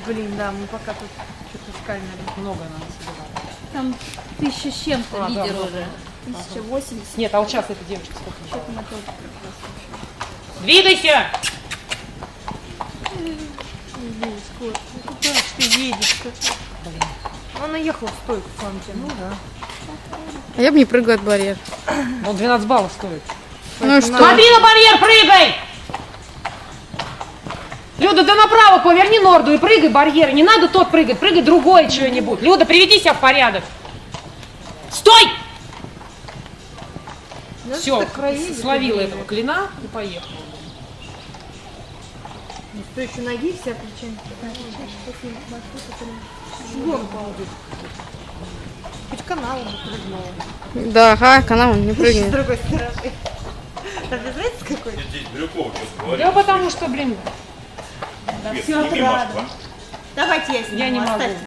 Блин, да, мы пока тут что-то искали, наверное. Много надо собирать. Там 1000 с чем-то лидер да, уже. 1080. Нет, а вот сейчас эта девочка сколько? Что-то мы тоже прекрасно. Двигайся! Блин, скоро. Ну куда ж ты едешь-то? Блин. Она ехала в стойку к вам. Ну да. А я бы не прыгаю от барьера. Он 12 баллов стоит. Ну и что? Смотри на барьер, прыгай! Люда, да направо поверни норду и прыгай барьер. Не надо тот прыгать, прыгай другой что-нибудь. Люда, приведи себя в порядок. Стой! Ну, Все, что-то кровей словила где-то этого клина и поехала. Ну, что еще ноги вся причем? Хоть каналом бы прыгнула. Да, ага, канал не С прыгнет. другой стороны. Там знаете, какой? Здесь Брюков что говорит. Да потому что, блин, Свет, всё сними рада. маску. Давайте я сниму. я не могу. Оставьте.